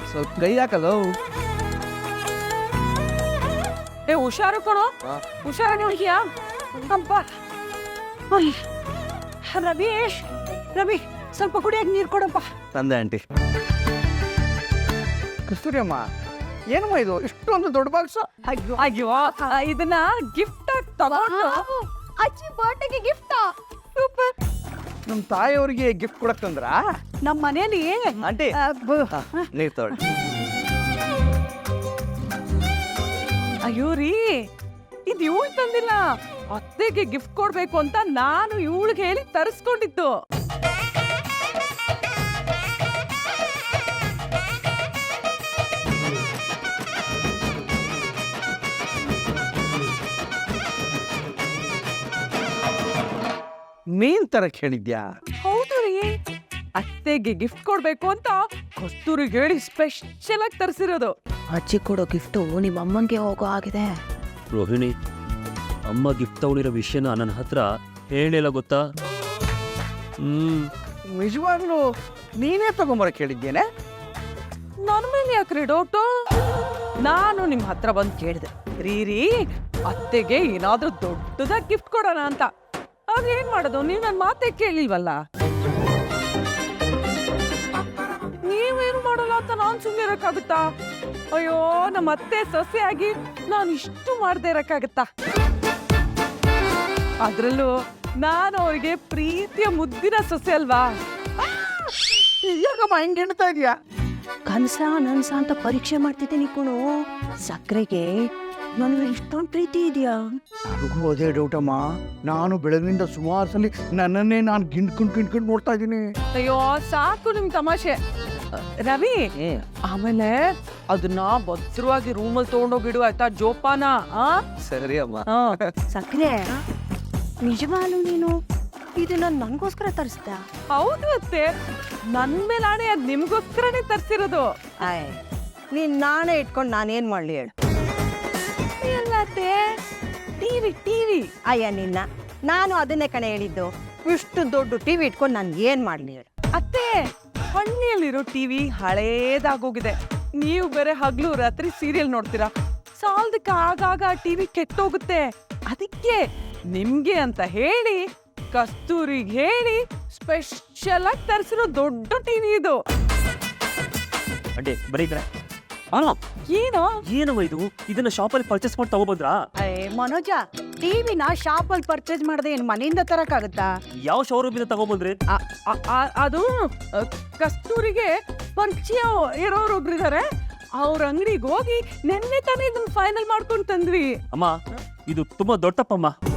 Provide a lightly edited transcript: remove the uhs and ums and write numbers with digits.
ಸ್ವಲ್ಪ ಕೈ ಹಾಕಲ್ಲ. ಏ ಹುಷಾರು ಕಣೋ, ಹುಷಾರ ನೋಡ್ತೀಯಾ? ಅಪ್ಪ ರವಿ, ರವಿ ಸ್ವಲ್ಪ ಕುಡಿಯಕ್ಕೆ ನೀರು ಕೊಡಪ್ಪ. ತಂದೆ ಆಂಟಿ. ಕಸ್ತೂರಿ ಅಮ್ಮ, ಏನಮ್ಮ ಇದು ಇಷ್ಟೊಂದು ದೊಡ್ಡ ಬಾಕ್ಸ್? ಅಯ್ಯೋ ಅಯ್ಯೋ, ಇದನ್ನ ಗಿಫ್ಟ್ ಆಗಿ ತಗೊಂಡು ಅಜ್ಜಿ ಬರ್ತ್ಡೇಗೆ ಗಿಫ್ಟಾ? ಸೂಪರ್. ನಮ್ಮ ತಾಯಿಯವ್ರಿಗೆ ಗಿಫ್ಟ್ ಕೊಡಕ್ ತಂದ್ರ? ನಮ್ಮ ಮನೇಲಿ ಆಂಟಿ ನೀರ್ ತಗೊಳ್ಳಿ. ಅಯ್ಯೋ ರೀ, ಇದು ಇವಳು ತಂದಿಲ್ಲ, ಅತ್ತೆಗೆ ಗಿಫ್ಟ್ ಕೊಡ್ಬೇಕು ಅಂತ ನಾನು ಇವಳಿಗೆ ಹೇಳಿ ತರಿಸ್ಕೊಂಡಿದ್ದು. ಮೀನ್ ತರಕ್ ಹೇಳಿದ್ಯಾ? ಹೌದು ರೀ, ಅತ್ತೆಗೆ ಗಿಫ್ಟ್ ಕೊಡ್ಬೇಕು ಅಂತ ಕಸ್ತೂರಿಗೆ ಹೇಳಿ ಸ್ಪೆಷಲ್ ಆಗಿ ತರಿಸಿರೋದು. ಅಜ್ಜಿ ಕೊಡೋ ಗಿಫ್ಟು ನಿಮ್ಮ ಅಮ್ಮಂಗೆ ಹೋಗೋ ಆಗಿದೆ. ರೋಹಿಣಿ, ಅಮ್ಮ ಗಿಫ್ಟ್ ತಗೊಂಡಿರೋ ವಿಷಯನ ನನ್ನ ಹತ್ರ ಹೇಳಿಲ್ಲ ಗೊತ್ತಾ? ನಿಜವಾಗ್ಲೂ ನೀನೇ ತಗೊಂಬರಕ್ ಹೇಳಿದ್ದೇನೆ? ನನ್ನ ಮೇಲೆ ಯಾಕ್ರಿ ಡೌಟು? ನಾನು ನಿಮ್ಮ ಹತ್ರ ಬಂದು ಕೇಳಿದೆ, ರೀ ಅತ್ತೆಗೆ ಏನಾದ್ರೂ ದೊಡ್ಡದಾಗಿ ಗಿಫ್ಟ್ ಕೊಡೋಣ ಅಂತ. ಆದ್ರೆ ಏನ್ ಮಾಡೋದು, ನೀವು ನನ್ನ ಮಾತೇ ಕೇಳಿಲ್ವಲ್ಲ. ನೀವೇನು ಮಾಡಲ್ಲ ಅಂತ ನಾನು ಸುಮ್ಮನೆ ಇರಕ್ಕಾಗುತ್ತಾ? ಅಯ್ಯೋ, ನಮ್ಮ ಅತ್ತೆ ಸೊಸೆಯಾಗಿ ನಾನು ಇಷ್ಟು ಮಾಡದೆ ಇರಕ್ಕಾಗತ್ತಾ? ಅದ್ರಲ್ಲೂ ನಾನು ಅವ್ರಿಗೆ ಪ್ರೀತಿಯ ಮುದ್ದಿನ ಸೊಸೆ ಅಲ್ವಾ? ಯಾಕಮ್ಮ ಹಿಂಗೆ ಹೇಳ್ತಾ ಇದೀಯಾ? ಕನ್ಸ ನನ್ಸ ಅಂತ ಪರೀಕ್ಷೆ ಮಾಡ್ತಿದ್ದೀನಿ ಕಣು. ಸಕ್ಕರೆಗೆ ನನಗೆ ಇಷ್ಟೊಂದು ಪ್ರೀತಿ ಇದೆಯಾ? ನನಗೂ ಅದೇ ಡೌಟಮ್ಮ. ನಾನು ಬೆಳಗಿನಿಂದ ಸುಮಾರು ಸಲ ನನ್ನನ್ನೇ ನಾನು ಗಿಂಡ್ಕೊಂಡು ನೋಡ್ತಾ ಇದ್ದೀನಿ. ಅಯ್ಯೋ ಸಾಕು ನಿಮ್ ತಮಾಷೆ. ರವಿ, ಆಮೇಲೆ ಅದನ್ನ ಭದ್ರವಾಗಿ ರೂಮಲ್ಲಿ ತಗೊಂಡೋಗಿಡು ಆಯ್ತಾ, ಜೋಪಾನ. ಸರಿ ಅಮ್ಮ. ಸಕ್ಕರೆ, ನಿಜವಾಗ್ಲೂ ನೀನು ಇದನ್ನ ನನಗೋಸ್ಕರ ತರಿಸ್ದ? ಹೌದು ಅತ್ತೆ, ನನ್ ಮೇಲೆ ಆಣೆ ಅದ್ ನಿಮ್ಗೋಸ್ಕರನೇ ತರ್ಸಿರೋದು. ಆಯ್, ನೀನ್ ನಾನೇ ಇಟ್ಕೊಂಡು ನಾನೇನ್ ಮಾಡ್ಲಿ ಹೇಳು? ಎಲ್ಲ ಅತ್ತೆ, ಟಿವಿ ಟಿವಿ. ಅಯ್ಯ ನಿನ್ನ, ನಾನು ಅದನ್ನೇ ಕಣೆ ಹೇಳಿದ್ದು. ಇಷ್ಟು ದೊಡ್ಡ ಟಿವಿ ಇಟ್ಕೊಂಡು ನಾನು ಏನ್ ಮಾಡ್ಲಿ ಹೇಳು? ಅತ್ತೆ, ಹಳ್ಳಿಯಲ್ಲಿರೋ ಟಿವಿ ಹಳೇದಾಗೋಗಿದೆ. ನೀವು ಬೇರೆ ಹಗ್ಲು ರಾತ್ರಿ ಸೀರಿಯಲ್ ನೋಡ್ತೀರಾ, ಸಾಲದಕ್ಕೆ ಆಗಾಗ ಟಿವಿ ಕೆಟ್ಟೋಗುತ್ತೆ. ಅದಕ್ಕೆ ನಿಮ್ಗೆ ಅಂತ ಹೇಳಿ ಕಸ್ತೂರಿಗೆ ಹೇಳಿ ಸ್ಪೆಷಲ್ ಆಗಿ ತರಿಸಿರೋ ದೊಡ್ಡ ಟಿವಿ ಇದು. ಅಡ್ಡೆ ಬರೀ ಏನೋ ಏನವ ಇದು? ಇದನ್ನ ಶಾಪಲ್ಲಿ ಪರ್ಚೇಸ್ ಮಾಡಿ ತಗೊಬಂದ್ರಾ? ಮನೋಜ, ಟಿವಿನ ಶಾಪಲ್ಲಿ ಪರ್ಚೇಸ್ ಮಾಡದೆ ಏನು ಮನೆಯಿಂದ ತರಕಾಗುತ್ತಾ? ಯಾವ ಶೋರೂಮಿಂದ ತಗೊಬಂದ್ರಿ? ಅದು ಕಸ್ತೂರಿಗೆ ಪರಿಚಯ ಇರೋರು ಒಬ್ರಿದ್ದಾರೆ, ಅವ್ರ ಅಂಗಡಿಗೆ ಹೋಗಿ ನೆನ್ನೆ ತಾನೇ ಇದನ್ನ ಫೈನಲ್ ಮಾಡ್ಕೊಂಡು ತಂದ್ವಿ. ಅಮ್ಮ, ಇದು ತುಂಬಾ ದೊಡ್ಡ ತಪ್ಪಮ್ಮ.